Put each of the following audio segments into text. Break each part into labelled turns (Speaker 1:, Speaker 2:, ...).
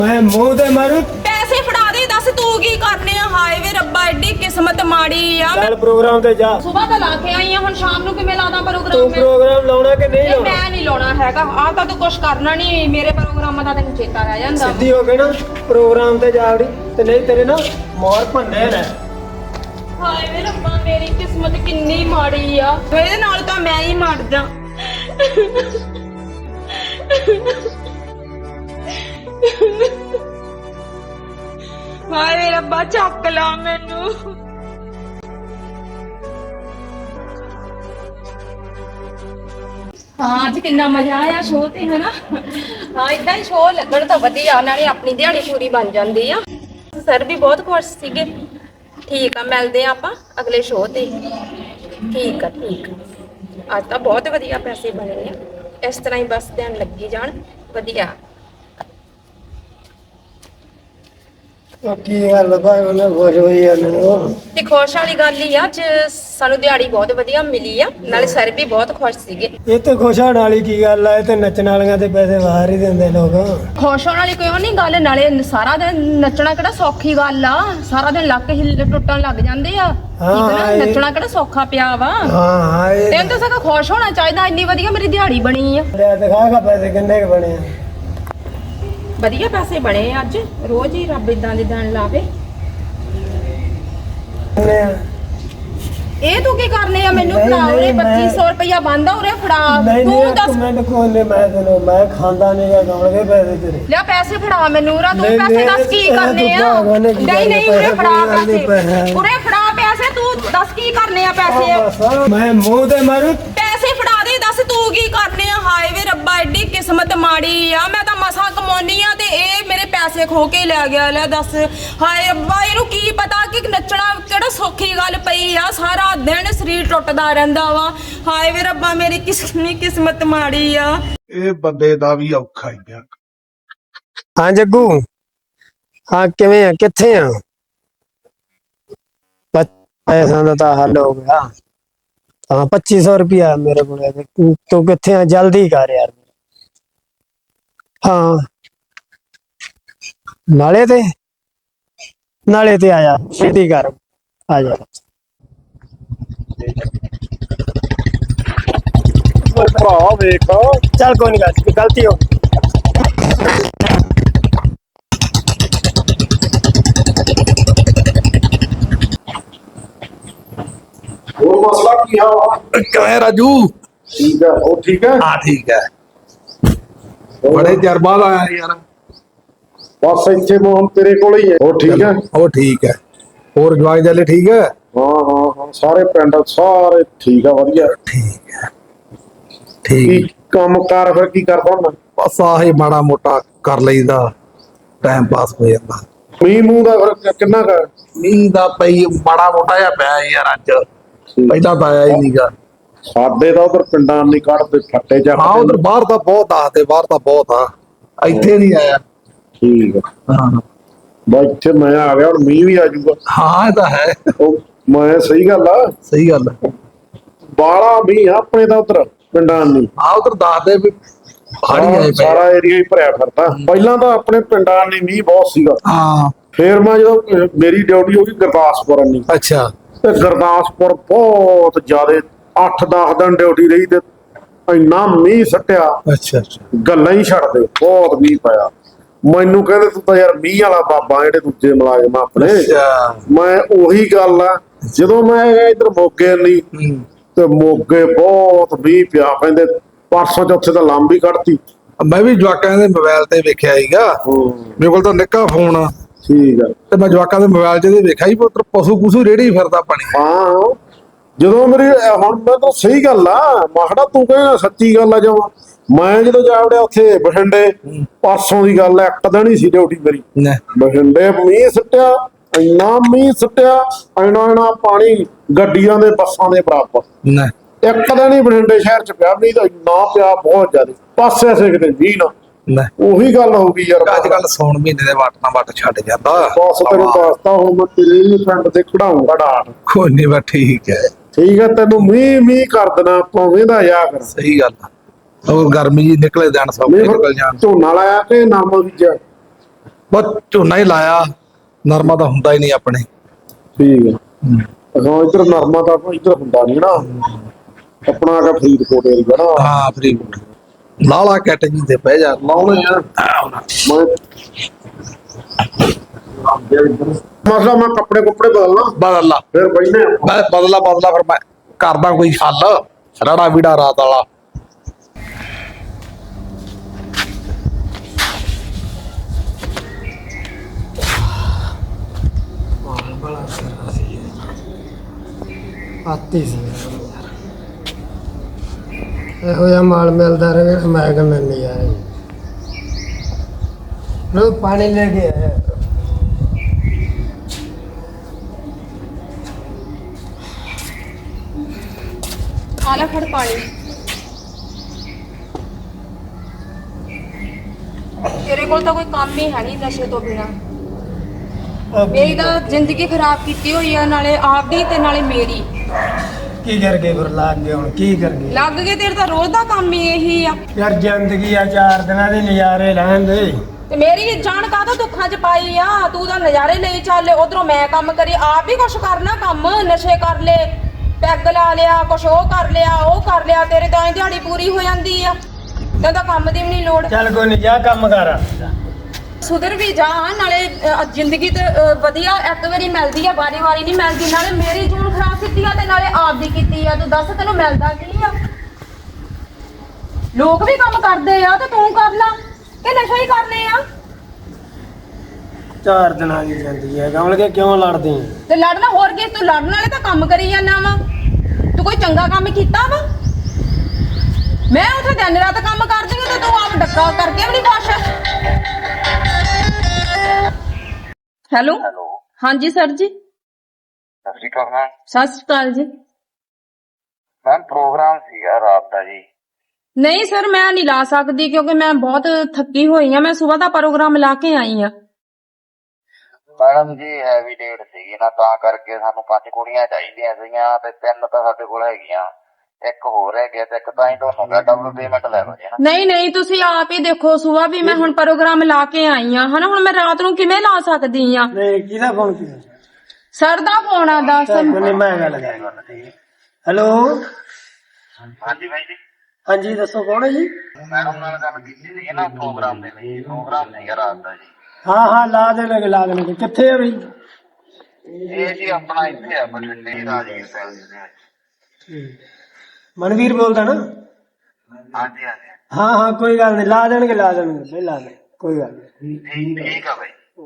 Speaker 1: मैं मुंह ते मारू
Speaker 2: ਪੈਸੇ ਫੜਾ ਦੇ ਦੱਸ ਤੂੰ ਕੀ ਕਰਨੇ ਆ ਹਾਏ ਵੇ ਰੱਬਾ ਐਡੀ ਕਿਸਮਤ ਮਾੜੀ ਆ
Speaker 1: चल प्रोग्राम ते जा
Speaker 2: ਸਵੇਰ ਦਾ ਲਾ ਕੇ ਆਈ ਆ ਹੁਣ ਸ਼ਾਮ ਨੂੰ ਕਿਵੇਂ ਲਾਦਾ
Speaker 1: तू
Speaker 2: ਪ੍ਰੋਗਰਾਮ ਮੈਂ
Speaker 1: प्रोग्राम लाउना कि नहीं लाउना
Speaker 2: ਮੈਂ ਨਹੀਂ ਲਾਉਣਾ ਹੈਗਾ ਆ ਤਾਂ ਤੂੰ ਕੁਛ ਕਰਨਾ ਨਹੀਂ ਮੇਰੇ ਪ੍ਰੋਗਰਾਮਾਂ ਦਾ ਤੈਨੂੰ ਚੇਤਾ ਰਹਿ ਜਾਂਦਾ
Speaker 1: सीधी हो गई ना प्रोग्राम ते जा वड़ी ते नहीं तेरे ना मोर भन्ने ने
Speaker 2: ਹਾਏ ਵੇ ਰੱਬਾ ਮੇਰੀ ਕਿਸਮਤ ਕਿੰਨੀ ਮਾੜੀ ਆ ਇਹਦੇ ਨਾਲ ਤਾਂ ਮੈਂ ਹੀ ਮਰ ਜਾ ਹਾਏ ਵੇ ਰੱਬਾ ਚੱਕ ਲਾ ਮੈਨੂੰ ਹਾਂ ਅੱਜ ਕਿੰਨਾ ਮਜ਼ਾ ਆਇਆ ਸ਼ੋਅ ਤੇ ਹਨਾ ਹਾਂ ਇਦਾਂ ਹੀ ਸ਼ੋਅ ਲੱਗਣ ਤਾਂ ਵਧੀਆ ਨਾਲੇ ਆਪਣੀ ਦਿਹਾੜੀ ਪੂਰੀ ਬਣ ਜਾਂਦੀ ਆ ਸਰ ਵੀ ਬਹੁਤ ਖੁਸ਼ ਸੀਗੇ ਠੀਕ ਆ ਮਿਲਦੇ ਆ ਆਪਾਂ ਅਗਲੇ ਸ਼ੋਅ ਤੇ ਠੀਕ ਆ ਅੱਜ ਤਾਂ ਬਹੁਤ ਵਧੀਆ ਪੈਸੇ ਬਣੇ ਆ ਇਸ ਤਰ੍ਹਾਂ ਹੀ ਬਸ ਧਿਆਨ ਲੱਗੀ ਜਾਣ ਵਧੀਆ
Speaker 1: की गल भाई उन्हें खुश होई जाने
Speaker 2: ਤੇ ਖੁਸ਼ ਵਾਲੀ ਗੱਲ ਹੀ ਆ ਅੱਜ ਸਾਨੂੰ ਦਿਹਾੜੀ ਬਹੁਤ ਵਧੀਆ ਮਿਲੀ ਆ ਨਾਲੇ ਸਰ ਵੀ ਬਹੁਤ ਖੁਸ਼ ਸੀਗੇ
Speaker 1: ਇਹ ਤੇ ਖੁਸ਼ ਹੋਣ ਵਾਲੀ ਕੀ ਗੱਲ ਆ ਇਹ ਤੇ ਨੱਚਣ ਵਾਲੀਆਂ ਤੇ ਪੈਸੇ ਬਾਹਰ ਹੀ ਦਿੰਦੇ ਲੋਕ
Speaker 2: ਖੁਸ਼ ਹੋਣ ਵਾਲੀ ਕੋਈ ਨਹੀਂ ਗੱਲ ਨਾਲੇ ਸਾਰਾ ਦਿਨ ਨੱਚਣਾ ਕਿਹੜਾ ਸੌਖੀ ਗੱਲ ਆ ਸਾਰਾ ਦਿਨ ਲੱਕ ਹਿੱਲ ਟੁੱਟਣ ਲੱਗ ਜਾਂਦੇ ਆ ਠੀਕ ਆ ਨਾ ਨੱਚਣਾ ਕਿਹੜਾ ਸੌਖਾ ਪਿਆ ਵਾ
Speaker 1: ਹਾਂ ਇਹ
Speaker 2: ਤੈਨੂੰ ਤਾਂ ਸਗਾ ਖੁਸ਼ ਹੋਣਾ ਚਾਹੀਦਾ ਇੰਨੀ ਵਧੀਆ ਮੇਰੀ ਦਿਹਾੜੀ ਬਣੀ ਆ
Speaker 1: ਲੈ ਦਿਖਾਗਾ ਪੈਸੇ ਕਿੰਨੇ ਕ ਬਣੇ ਆ
Speaker 2: ਵਧੀਆ ਪੈਸੇ ਬਣੇ ਆ ਅੱਜ ਰੋਜ਼ ਹੀ ਰੱਬ ਇਦਾਂ ਦੇ ਦਿਨ ਲਾਵੇ
Speaker 1: ਕਿੰਨੇ ਆ?
Speaker 2: ਇਹ ਤੂੰ ਕੀ ਕਰਨੇ ਆ ਮੈਨੂੰ
Speaker 1: ਨਹੀਂ,
Speaker 2: ਫੜਾ ਉਰੇ
Speaker 1: ਨਹੀਂ, ਮੈਂ-
Speaker 2: 2500 ਰੁਪਇਆ ਬੰਦਾ ਉਰੇ ਫੜਾ
Speaker 1: ਨਹੀਂ
Speaker 2: ਤੂੰ
Speaker 1: ਨਹੀਂ
Speaker 2: ਦੱਸ
Speaker 1: ਮੈਂ ਕੋਲੇ ਮੈਂ ਤੈਨੂੰ ਮੈਂ ਖਾਂਦਾ ਨਹੀਂ ਗਾ ਕੌਣ ਕੇ ਪੈਸੇ ਤੇਰੇ
Speaker 2: ਲਿਆ ਪੈਸੇ ਫੜਾ ਮੈਨੂੰ ਉਰਾ ਤੂੰ
Speaker 1: ਨਹੀਂ,
Speaker 2: ਪੈਸੇ
Speaker 1: ਨਹੀਂ,
Speaker 2: ਦੱਸ ਕੀ
Speaker 1: ਇਹ
Speaker 2: ਕਰਨੇ
Speaker 1: ਤੂੰ
Speaker 2: ਆ
Speaker 1: ਭਗਵਾਨ ਨੇ ਕੀ
Speaker 2: ਨਹੀਂ
Speaker 1: ਕਰਨੇ
Speaker 2: ਉਰੇ ਫੜਾ
Speaker 1: ਪੈਸੇ, ਨਹੀਂ
Speaker 2: ਪੈਸੇ
Speaker 1: ਪੈਸੇ।
Speaker 2: ਉਰੇ ਫੜਾ ਪੈਸੇ ਤੂੰ ਦੱਸ ਕੀ ਕਰਨੇ ਆ ਪੈਸੇ
Speaker 1: ਮੈਂ ਮੂੰਹ ਤੇ ਮਾਰੂ
Speaker 2: ਪੈਸੇ ਫੜਾ ਦੇ ਦੱਸ ਤੂੰ ਕੀ ਕਰਨੇ ਆ ਹਾਏ ਵੇ ਰੱਬਾ ਐਡੀ ਕਿਸਮਤ ਮਾੜੀ ਆ ਮੈਂ ਤਾਂ ਮਸਾਂ ਕਮਾਉਣੀ ਆ ਤੇ ਇਹ ਮੇਰੇ ਪੈਸੇ ਖੋ ਕੇ ਲੈ ਗਿਆ ਲੈ ਦੱਸ ਹਾਏ ਰੱਬਾ ਇਹਨੂੰ ਕੀ ਪਤਾ ਕਿ ਨੱਚਣਾ ਕਿਹੜਾ ਸੌਖੀ ਗੱਲ ਪਈ ਆ ਸਾਰਾ ਦਿਨ ਸਰੀਰ ਟੁੱਟਦਾ ਰਹਿੰਦਾ ਵਾ ਹਾਏ ਵੇ ਰੱਬਾ ਮੇਰੀ ਕਿੰਨੀ ਕਿਸਮਤ ਮਾੜੀ ਆ
Speaker 3: ਇਹ ਬੰਦੇ ਦਾ ਵੀ ਔਖਾ ਹੀ ਆ।
Speaker 1: ਹਾਂ ਜੱਗੂ ਹਾਂ ਕਿਵੇਂ ਆ ਕਿੱਥੇ ਆ ਪੈਸਾ ਦਾ ਤਾਂ ਹੱਲ ਹੋ ਗਿਆ ਹਾਂ 2500 ਰੁਪਇਆ ਮੇਰੇ ਕੋਲ ਹੈ ਤੂੰ ਕਿੱਥੇ ਆ ਜਲਦੀ ਕਰ ਯਾਰ ਹਾਂ ਨਾਲੇ ਤੇ ਆਇਆ ਛੇਤੀ ਕਰ ਆ ਜਾ
Speaker 3: ਭਰਾ ਵੇਖ
Speaker 1: ਚੱਲ ਕੋਈ ਨਹੀਂ ਗਲਤੀ ਹੋ ਗਈ
Speaker 3: ਹੋਰ ਮਸਲਾ ਕੀ ਹੈ
Speaker 4: ਕਿਵੇਂ ਰਾਜੂ
Speaker 3: ਠੀਕ ਹੈ ਉਹ ਠੀਕ ਹੈ
Speaker 4: ਹਾਂ ਠੀਕ ਹੈ ਬੜੇ ਚਿਰ ਬਾਅਦ ਆਇਆ ਯਾਰ
Speaker 3: ਬਸ ਇੱਥੇ ਮੋਹਨ ਤੇਰੇ ਕੋਲ ਹੀ ਹੈ ਉਹ ਠੀਕ ਹੈ
Speaker 4: ਉਹ ਠੀਕ ਹੈ ਹੋਰ ਜਵਾਕ ਜਾਲੇ ਠੀਕ ਹੈ
Speaker 3: ਹਾਂ ਸਾਰੇ ਪਿੰਡ ਸਾਰੇ ਠੀਕ ਆ ਵਧੀਆ
Speaker 4: ਠੀਕ ਹੈ
Speaker 3: ਕੀ
Speaker 4: ਠੀਕ
Speaker 3: ਕੰਮ ਕਾਰ ਫਿਰ ਕੀ ਕਰਦਾ ਹੁੰਦਾ
Speaker 4: ਬਸ ਆਹੀ ਮਾੜਾ ਮੋਟਾ ਕਰ ਲਈਦਾ ਟਾਈਮ ਪਾਸ ਹੋ ਜਾਂਦਾ
Speaker 3: ਮੀਂਹ ਮੂੰਹ ਦਾ ਫਿਰ ਕਿੰਨਾ ਕਰ
Speaker 4: ਮੀਂਹ ਦਾ ਪਈ ਮਾੜਾ ਮੋਟਾ ਜਿਹਾ ਪਿਆ ਯਾਰ ਅੱਜ ਪਹਿਲਾਂ ਤਾਂ ਆਇਆ ਹੀ ਨਹੀਂਗਾ
Speaker 3: ਸਾਡੇ ਤਾਂ ਉਧਰ ਪਿੰਡਾਂ ਨਹੀਂ ਕੱਢਦੇ ਫੱਟੇ ਜਾ
Speaker 4: ਹਾਂ ਉਧਰ ਬਾਹਰ ਤਾਂ ਬਹੁਤ ਆਤੇ ਬਾਹਰ ਤਾਂ ਬਹੁਤ ਆ ਇੱਥੇ ਨਹੀਂ ਆਇਆ
Speaker 3: ਠੀਕ ਹੈ
Speaker 4: ਹਾਂ
Speaker 3: ਬਸ ਇੱਥੇ ਮੈਂ ਆ ਗਿਆ ਹੁਣ ਮੀਂਹ ਵੀ ਆ ਜਾਊਗਾ
Speaker 4: ਹਾਂ ਇਹ ਤਾਂ ਹੈ
Speaker 3: ਉਹ ਮੈਂ ਸਹੀ ਗੱਲ ਆ
Speaker 4: ਸਹੀ ਗੱਲ ਹੈ
Speaker 3: ਬਾਲਾ ਵੀ ਆਪਣੇ ਤਾਂ ਉਧਰ ਪਿੰਡਾਂ ਨਹੀਂ
Speaker 4: ਹਾਂ ਉਧਰ ਦੱਸਦੇ ਵੀ ਹਾੜੀ ਆਏ ਪਏ
Speaker 3: ਸਾਰਾ ਏਰੀਆ ਹੀ ਭਰਿਆ ਫਿਰਦਾ ਪਹਿਲਾਂ ਤਾਂ ਆਪਣੇ ਪਿੰਡਾਂ ਨਹੀਂ ਮੀਂਹ ਬਹੁਤ ਸੀਗਾ
Speaker 4: ਹਾਂ
Speaker 3: ਫੇਰ ਮੈਂ ਜਦੋਂ ਮੇਰੀ ਡਿਊਟੀ ਹੋ ਗਈ ਗੁਰਦਾਸਪੁਰ ਨਹੀਂ
Speaker 4: ਅੱਛਾ
Speaker 3: ਤੇ ਗੁਰਦਾਸਪੁਰ ਬਹੁਤ ਜ਼ਿਆਦੇ 8-10 ਦਿਨ ਡਿਊਟੀ ਰਹੀ ਤੇ ਇੰਨਾ ਮੀਂਹ ਸੱਟਿਆ
Speaker 4: ਅੱਛਾ
Speaker 3: ਗੱਲਾਂ ਹੀ ਛੱਡ ਦੇ ਬਹੁਤ ਮੀਂਹ ਪਿਆ ਮੈਨੂੰ ਕਹਿੰਦੇ ਤੂੰ ਤਾਂ ਯਾਰ ਮੀਂਹ ਵਾਲਾ ਬਾਬਾ ਜਿਹੜੇ ਦੂਜੇ ਮੁਲਾਜ਼ਮ ਆਪਣੇ
Speaker 4: ਅੱਛਾ
Speaker 3: ਮੈਂ ਉਹੀ ਗੱਲ ਆ ਜਦੋਂ ਮੈਂ ਇਧਰ ਮੋਗੇ ਨਹੀਂ ਤੇ ਮੋਗੇ ਬਹੁਤ ਮੀਂਹ ਪਿਆ ਪੈਂਦੇ ਪਰਸੋਂ ਚੌਥੇ ਤਾਂ ਲੰਬੀ ਕੱਢਤੀ
Speaker 4: ਮੈਂ ਵੀ ਜਵਾਕਾਂ ਦੇ ਮੋਬਾਈਲ ਤੇ ਵੇਖਿਆ ਸੀਗਾ ਮੇਰੇ ਕੋਲ ਤਾਂ ਨਿੱਕਾ ਫੋਨ ਆ
Speaker 3: ਠੀਕ ਆ
Speaker 4: ਤੇ ਮੈਂ ਜਵਾਕਾਂ ਦੇ ਮੋਬਾਈਲ 'ਚ ਦੇ ਵੇਖਿਆ ਹੀ ਪੁੱਤਰ ਪਸ਼ੂ ਰੇੜੀ ਫਿਰਦਾ ਪਾਣੀ
Speaker 3: ਹਾਂ ਜਦੋਂ ਮੇਰੀ ਹੁਣ ਮੈਂ ਤਾਂ ਸਹੀ ਗੱਲ ਆ ਮਾਹੜਾ ਤੂੰ ਕਹਿੰਦਾ ਸੱਚੀ ਗੱਲ ਆ ਜਮਾ ਮੈਂ ਜਦੋਂ ਜਾ ਵੜਿਆ ਉੱਥੇ ਬਠਿੰਡੇ ਪਰਸੋਂ ਦੀ ਗੱਲ ਆ ਇੱਕ ਦਿਨ ਹੀ ਸੀ ਡਿਊਟੀ ਮੇਰੀ
Speaker 4: ਨਾ
Speaker 3: ਬਠਿੰਡੇ ਮੀਂਹ ਸੁੱਟਿਆ ਇੰਨਾ ਮੀਂਹ ਸੁੱਟਿਆ ਇੰਨਾ ਪਾਣੀ ਗੱਡੀਆਂ ਦੇ ਬੱਸਾਂ ਦੇ ਬਰਾਬਰ
Speaker 4: ਨਾ
Speaker 3: ਇੱਕ ਦਿਨ ਹੀ ਬਠਿੰਡੇ ਸ਼ਹਿਰ ਚ ਪਿਆ ਮੀਂਹ ਤਾਂ ਇੰਨਾ ਪਿਆ ਬਹੁਤ ਜ਼ਿਆਦਾ ਪਾਸੇ ਸੇ ਕਿਤੇ ਮੀਂਹ ਨਾ
Speaker 4: ਨਾ
Speaker 3: ਉਹੀ ਗੱਲ ਹੋ ਗਈ ਯਾਰ
Speaker 4: ਅੱਜ ਕੱਲ ਸੌਣ ਮਹੀਨੇ ਦੇ ਵੱਟ ਨਾਲ ਵੱਟ ਛੱਡ ਜਾਂਦਾ
Speaker 3: ਬਸ ਤੈਨੂੰ ਦੱਸਤਾ ਹੁਣ ਮੈਂ ਤੇਰੇ ਵੀ ਪਿੰਡ ਤੇ ਖੜਾਉਂਗਾ ਡਾਟ
Speaker 4: ਕੋਈ ਨਹੀਂ ਬਸ ਠੀਕ ਹੈ
Speaker 3: ਠੀਕ ਹੈ ਤੈਨੂੰ ਮੀਂਹ ਕਰ ਦੇਣਾ ਆਪਾਂ ਵੇਂਦਾ ਜਾ ਕਰ
Speaker 4: ਸਹੀ ਗੱਲ ਆ। ਹੋਰ ਗਰਮੀ ਜੀ ਨਿਕਲੇ ਜਾਣ ਸਭ
Speaker 3: ਨਹੀਂ
Speaker 4: ਨਿਕਲ ਜਾਣ
Speaker 3: ਝੋਨਾ ਲਾਇਆ ਕਿ ਨਾਮ ਬੀਜਿਆ
Speaker 4: ਬਸ ਝੋਨਾ ਹੀ ਲਾਇਆ, ਨਰਮਾ ਤਾਂ ਹੁੰਦਾ ਹੀ ਨਹੀਂ ਆਪਣੇ।
Speaker 3: ਠੀਕ ਹੈ। ਹਾਂ ਇੱਧਰ ਨਰਮਾ ਤਾਂ ਇੱਧਰ ਹੁੰਦਾ ਨਹੀਂ ਨਾ, ਆਪਣਾ ਹੈਗਾ ਫਰੀਦਕੋਟ ਏਰੀਆ ਨਾ।
Speaker 4: ਹਾਂ ਫਰੀਦਕੋਟ ਲਾਲਾ ਕੈਟ ਜੀ ਤੇ ਬਹਿ ਜਾ
Speaker 3: ਲਾਉਣੇ ਆ ਮਸਲਾ ਮੈਂ ਕੱਪੜੇ ਬਦਲਣਾ
Speaker 4: ਬਦਲ ਲਾ,
Speaker 3: ਫਿਰ ਬੈਠੇ
Speaker 4: ਮੈਂ ਬਦਲਾ ਫਿਰ ਮੈਂ ਕਰਦਾ ਕੋਈ ਹੱਲ, ਰੜਾ ਵੀੜਾ ਰਾਤ ਵਾਲਾ।
Speaker 1: ਆਤੀ ਸੀ ਇਹੋ ਜਿਹਾ ਮਾਲ ਮਿਲਦਾ ਰਹੇ, ਮੈਂ ਕਹਿੰਦਾ ਨਹੀਂ ਆਇਆ ਲੋ ਪਾਣੀ ਲੈ ਕੇ ਆਇਆ।
Speaker 2: ਆ ਲੈ ਫੜ ਪਾਣੀ। ਤੇਰੇ ਕੋਲ ਤਾਂ ਕੋਈ ਕੰਮ ਹੀ ਹੈ ਨਹੀਂ ਨਸ਼ੇ ਤੋਂ ਬਿਨਾ। ਮੇਰੀ ਤਾਂ ਜ਼ਿੰਦਗੀ ਖਰਾਬ ਕੀਤੀ ਹੋਈ ਆ, ਨਾਲੇ ਆਪਦੀ ਤੇ ਨਾਲੇ ਮੇਰੀ।
Speaker 1: ਕੀ ਕਰ ਗਏ ਫਿਰ ਲੱਗ ਗਏ, ਹੁਣ ਕੀ ਕਰ ਗਏ?
Speaker 2: ਲੱਗ ਗਏ, ਤੇਰੇ ਤਾਂ ਰੋਜ਼ ਦਾ ਕੰਮ ਹੀ ਇਹੀ ਆ।
Speaker 1: ਯਾਰ ਜ਼ਿੰਦਗੀ ਆ 4 ਦਿਨਾਂ ਦੇ ਨਜ਼ਾਰੇ ਲੈਣ ਦੇ।
Speaker 2: ਤੇ ਮੇਰੀ ਜਾਨ ਕਾਹਦਾ ਦੁੱਖਾਂ 'ਚ ਪਾਈ ਆ, ਤੂੰ ਤਾਂ ਨਜ਼ਾਰੇ ਲਈ ਚੱਲ, ਉਧਰੋਂ ਮੈਂ ਕੰਮ ਕਰੀ, ਆਪ ਵੀ ਕੁਛ ਕਰਨਾ ਕੰਮ, ਨਸ਼ੇ ਕਰ ਲੈ, ਪੈਗ ਲਾ ਲਿਆ, ਕੁਛ ਉਹ ਕਰ ਲਿਆ, ਤੇਰੇ ਤਾਂ ਐਂ ਦਿਹਾੜੀ ਪੂਰੀ ਹੋ ਜਾਂਦੀ ਆ, ਤੈਨੂੰ ਤਾਂ ਕੰਮ ਦੀ ਵੀ ਨਹੀਂ ਲੋੜ।
Speaker 1: ਚੱਲ ਕੋਈ ਨਹੀਂ, ਜਾ ਕੰਮ ਕਰ।
Speaker 2: ਸੁਧਰ ਵੀ ਜਾ, ਨਾਲੇ ਜ਼ਿੰਦਗੀ ਤੇ ਵਧੀਆ ਇੱਕ ਵਾਰੀ ਮਿਲਦੀ ਆ, ਵਾਰੀ ਨਹੀਂ ਮਿਲਦੀ। ਨਾਲੇ ਮੇਰੀ ਜੂਨ ਖਰਾਬ ਕੀਤੀ ਆ ਤੇ ਨਾਲੇ ਆਪ ਦੀ ਕੀਤੀ ਆ। ਤੂੰ ਦੱਸ ਤੈਨੂੰ ਮਿਲਦਾ ਕੀ ਆ? ਲੋਕ ਵੀ ਕੰਮ ਕਰਦੇ ਆ ਤੇ ਤੂੰ ਕਰ ਲਾ ਕਿ ਨਸ਼ਾ ਹੀ ਕਰਨੇ ਆ?
Speaker 1: 4 ਦਿਨਾਂ ਦੀ ਜ਼ਿੰਦਗੀ ਹੈ, ਕਮਲ ਕੇ ਕਿਉਂ ਲੜਦੀ ਹੈ?
Speaker 2: ਤੇ ਲੜਨਾ ਹੋਰ ਕੀ, ਤੂੰ ਲੜਨ ਵਾਲੇ ਤਾਂ ਕੰਮ ਕਰੀ ਜਾਂਦਾ ਵਾ। ਤੂੰ ਕੋਈ ਚੰਗਾ ਕੰਮ ਕੀਤਾ ਵਾ? ਮੈਂ ਉੱਥੇ ਦਿਨ ਰਾਤ ਕੰਮ ਕਰਦੀ ਹਾਂ ਤੇ ਤੂੰ ਆਪ ਡੱਕਾ ਕਰਕੇ ਵੀ ਨਹੀਂ ਖੁਸ਼। ਹੈਲੋ ਹਾਂਜੀ ਸਰ ਜੀ।
Speaker 5: ਸਤਿ ਸ਼੍ਰੀ ਅਕਾਲ ਮੈਮ।
Speaker 2: ਸਤਿ ਸ਼੍ਰੀ ਅਕਾਲ ਜੀ।
Speaker 5: ਮੈਮ ਪ੍ਰੋਗਰਾਮ ਸੀਗਾ ਰਾਤ ਦਾ ਜੀ।
Speaker 2: ਨਹੀਂ ਸਰ, ਮੈਂ ਨਹੀਂ ਲਾ ਸਕਦੀ ਕਿਉਂਕਿ ਮੈਂ ਬਹੁਤ ਥੱਕੀ ਹੋਈ ਆ। ਮੈਂ ਸਵੇਰ ਦਾ ਪ੍ਰੋਗਰਾਮ ਲਾ ਕੇ ਆਈ ਆ।
Speaker 5: ਮੈਡਮ ਜੀ ਹੈਵੀ ਡੇਟ ਸੀਗੀ ਨਾ, ਤਾਂ ਕਰਕੇ ਸਾਨੂੰ 5 ਕੁੜੀਆਂ ਚਾਹੀਦੀਆਂ ਸੀਗੀਆਂ ਤੇ 3 ਤਾਂ ਸਾਡੇ ਕੋਲ ਹੈਗੀਆਂ, ਇੱਕ ਹੋਰ ਹੈਗੇ ਤੇ ਇੱਕ ਤਾਂ ਹੀ ਤੁਹਾਨੂੰ ਕਿਹਾ ਡਬਲ ਪੇਮੈਂਟ ਲੈ ਲਓ ਜੀ ਨਾ।
Speaker 2: ਨਹੀਂ ਤੁਸੀਂ ਆਪ ਹੀ ਦੇਖੋ, ਸਵੇਰ ਵੀ ਮੈਂ ਹੁਣ ਪ੍ਰੋਗਰਾਮ ਲਾ ਕੇ ਆਈ ਆ ਹਨਾ, ਹੁਣ ਮੈਂ ਰਾਤ ਨੂੰ ਕਿਵੇਂ ਲਾ ਸਕਦੀ ਆ?
Speaker 1: ਨਹੀਂ ਕਿਹਦਾ ਫੋਨ ਕੀਤਾ?
Speaker 2: ਸਰ ਦਾ ਫੋਨ ਆ, ਦੱਸ।
Speaker 1: ਨਹੀਂ ਮੈਂ ਗੱਲ ਕਰ। ਹੈਲੋ
Speaker 5: ਹਾਂਜੀ ਬਾਈ ਜੀ।
Speaker 1: ਹਾਂਜੀ ਦੱਸੋ, ਕੌਣ ਹੈ ਜੀ?
Speaker 5: ਮੈਡਮ ਨਾਲ ਗੱਲ ਕੀਤੀ ਸੀਗੀ ਨਾ ਪ੍ਰੋਗਰਾਮ ਦੇ ਲਈ, ਪ੍ਰੋਗਰਾਮ ਸੀਗਾ ਰਾਤ ਦਾ ਜੀ।
Speaker 1: ਹਾਂ ਲਾ ਦੇਣਗੇ। ਕਿੱਥੇ ਆ ਬਈ?
Speaker 5: ਇਹ ਜੀ ਆਪਣਾ ਇੱਥੇ ਆ ਬਠਿੰਡੇ ਰਾਜਗੀਰ ਸਾਹਿਬ ਦੇ ਵਿੱਚ।
Speaker 1: ਮਨਵੀਰ ਬੋਲਦਾ ਨਾ?
Speaker 5: ਹਾਂਜੀ ਹਾਂਜੀ
Speaker 1: ਹਾਂ ਕੋਈ ਗੱਲ ਨਹੀਂ, ਲਾ ਦੇਣਗੇ ਬਈ, ਲਾ ਦੇ, ਕੋਈ ਗੱਲ ਨਹੀਂ।
Speaker 5: ਠੀਕ ਆ ਬਾਈ।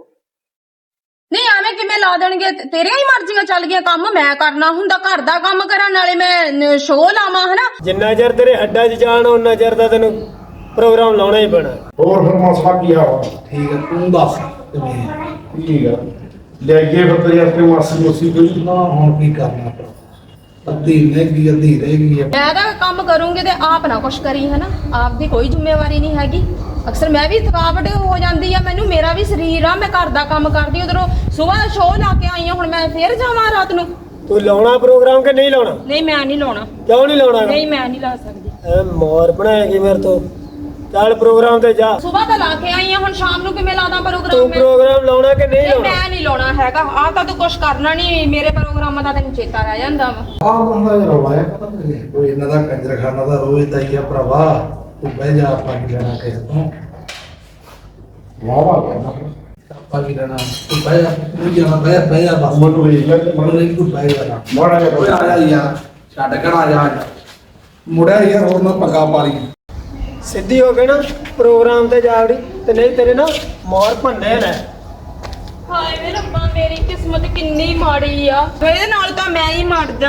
Speaker 2: ਨਹੀਂ ਐਵੇਂ ਕਿਵੇਂ ਲਾ ਦੇਣਗੇ? ਤੇਰੀਆਂ ਹੀ ਮਰਜ਼ੀਆਂ ਚੱਲ ਗਈਆਂ। ਕੰਮ ਮੈਂ ਕਰਨਾ ਹੁੰਦਾ, ਘਰ ਦਾ ਕੰਮ ਕਰਾਂ, ਨਾਲੇ ਮੈਂ ਸ਼ੋਅ ਲਾਵਾਂ ਹਨਾ।
Speaker 1: ਜਿੰਨਾ ਚਿਰ ਤੇਰੇ ਹੱਡਾਂ 'ਚ ਜਾਣ ਉਹਨਾਂ ਚਿਰ ਤਾਂ ਤੈਨੂੰ ਪ੍ਰੋਗਰਾਮ ਲਾਉਣਾ ਹੀ ਪੈਣਾ।
Speaker 3: ਹੋਰ ਫਿਰ ਮਸਲਾ ਕੀ ਆ?
Speaker 4: ਠੀਕ ਹੈ, ਤੂੰ ਦੱਸ ਕਿਵੇਂ?
Speaker 3: ਠੀਕ ਆ, ਲੈ ਗਏ ਫਿਰ ਤੇਰੀ ਆਪਣੀ ਮਾਸੀ ਕੋਈ
Speaker 4: ਨਾ ਹੁਣ ਕੀ ਕਰਨਾ, ਅੱਧੀ ਰਹਿ ਗਈ ਹੈ।
Speaker 2: ਮੈਂ ਤਾਂ ਕੰਮ ਕਰੂੰਗੀ ਤੇ ਆਪ ਨਾ ਕੁਛ ਕਰੀ ਹਨਾ, ਆਪ ਦੀ ਕੋਈ ਜ਼ਿੰਮੇਵਾਰੀ ਨਹੀਂ ਹੈਗੀ। ਅਕਸਰ ਮੈਂ ਵੀ ਥਕਾਵਟ ਹੋ ਜਾਂਦੀ ਆ ਮੈਨੂੰ, ਮੇਰਾ ਵੀ ਸਰੀਰ ਆ, ਮੈਂ ਘਰ ਦਾ ਕੰਮ ਕਰਦੀ, ਉਧਰੋਂ ਸਵੇਰ ਸ਼ੋਅ ਲਾ ਕੇ ਆਈ ਆ, ਹੁਣ ਮੈਂ ਫੇਰ ਜਾਵਾਂ ਰਾਤ ਨੂੰ।
Speaker 1: ਤੂੰ ਲਾਉਣਾ ਪ੍ਰੋਗਰਾਮ ਕਿ ਨਹੀਂ ਲਾਉਣਾ?
Speaker 2: ਨਹੀਂ ਮੈਂ ਨਹੀਂ ਲਾਉਣਾ।
Speaker 1: ਕਿਉਂ ਨਹੀਂ ਲਾਉਣਾ?
Speaker 2: ਨਹੀਂ ਮੈਂ ਨਹੀਂ ਲਾ ਸਕਦੀ।
Speaker 1: ਐ ਮੋਰ ਬਣਾਏਗੀ ਮੇਰੇ ਤੋਂ। ਚੱਲ ਪ੍ਰੋਗਰਾਮ ਤੇ ਜਾ।
Speaker 2: ਸਵੇਰ ਤਾਂ ਲਾ ਕੇ ਆਈ ਆ, ਹੁਣ ਸ਼ਾਮ ਨੂੰ ਕਿਵੇਂ ਲਾਦਾ ਪ੍ਰੋਗਰਾਮ
Speaker 1: ਤੂੰ
Speaker 2: ਮੈਂ?
Speaker 1: ਪ੍ਰੋਗਰਾਮ ਲਾਉਣਾ ਕਿ ਨਹੀਂ ਲਾਉਣਾ?
Speaker 2: ਮੈਂ ਨਹੀਂ ਲਾਉਣਾ ਹੈਗਾ। ਆਹ ਤਾਂ ਤੂੰ ਕੁਛ ਕਰਨਾ ਨਹੀਂ, ਮੇਰੇ ਪ੍ਰੋਗਰਾਮਾਂ ਦਾ ਤੈਨੂੰ ਚੇਤਾ ਰਹਿ ਜਾਂਦਾ ਵਾ।
Speaker 4: ਆਹ ਬੰਦਾ ਜਰਾ ਵਾਇਆ ਪਤਾ ਨਹੀਂ ਕੋਈ ਇਹਨਾਂ ਦਾ ਕੰਜਰਖਾਨਾ ਦਾ ਰੋਜ਼ ਦਾ ਹੀ ਆ ਭਰਾਵਾ। ਤੂੰ ਬਹਿ ਜਾ, ਆਪਾਂ ਕੀ ਲੈਣਾ ਕਿਸੇ ਤੋਂ?
Speaker 3: ਵਾਵਾ ਗਿਆ
Speaker 4: ਆਪਾਂ ਕੀ ਲੈਣਾ? ਤੂੰ ਬਹਿ ਜਾ, ਤੂੰ ਜਾਣਾ ਬਹਿ ਜਾ ਬਸ।
Speaker 3: ਮਨ ਵੇਖ ਲੈ
Speaker 4: ਮਨ ਨਹੀਂ ਤੂੰ ਬਹਿ ਜਾ।
Speaker 3: ਮਾੜਾ ਜਿਹਾ
Speaker 4: ਓਏ ਆ ਜਾ ਯਾਰ, ਛੱਡ ਕੇ ਆ ਜਾ ਮੁੜਿਆ ਯਾਰ, ਹੋਰ ਨਾ ਪੰਗਾ ਪਾ ਲਈ।
Speaker 1: ਸਿੱਧੀ ਹੋ ਕੇ ਨਾ ਪ੍ਰੋਗਰਾਮ ਤੇ ਜਾ ਵੜੀ, ਤੇ ਨਹੀਂ ਤੇਰੇ ਨਾ ਮੋਰ ਭੰਨੇ ਨੇ।
Speaker 2: ਹਾਏ ਵੇ ਰੱਬਾ, ਮੇਰੀ ਕਿਸਮਤ ਕਿੰਨੀ ਮਾੜੀ ਆ। ਇਹਦੇ ਨਾਲ ਤਾਂ ਮੈਂ ਹੀ ਮਰ ਜਾ।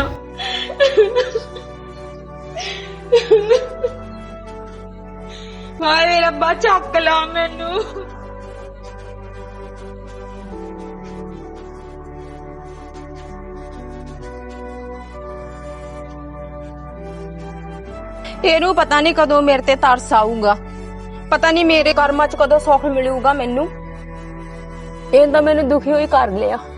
Speaker 2: ਹਾਏ ਵੇ ਰੱਬਾ, ਚੱਕ ਲਾ ਮੈਨੂੰ। ਇਹਨੂੰ ਪਤਾ ਨਹੀਂ ਕਦੋਂ ਮੇਰੇ ਤੇ ਤਰਸ ਆਊਗਾ, ਪਤਾ ਨਹੀਂ ਮੇਰੇ ਕਰਮਾਂ 'ਚ ਕਦੋਂ ਸੁੱਖ ਮਿਲੂਗਾ ਮੈਨੂੰ। ਇਹ ਤਾਂ ਮੈਨੂੰ ਦੁਖੀ ਹੋਈ ਕਰ ਲਿਆ।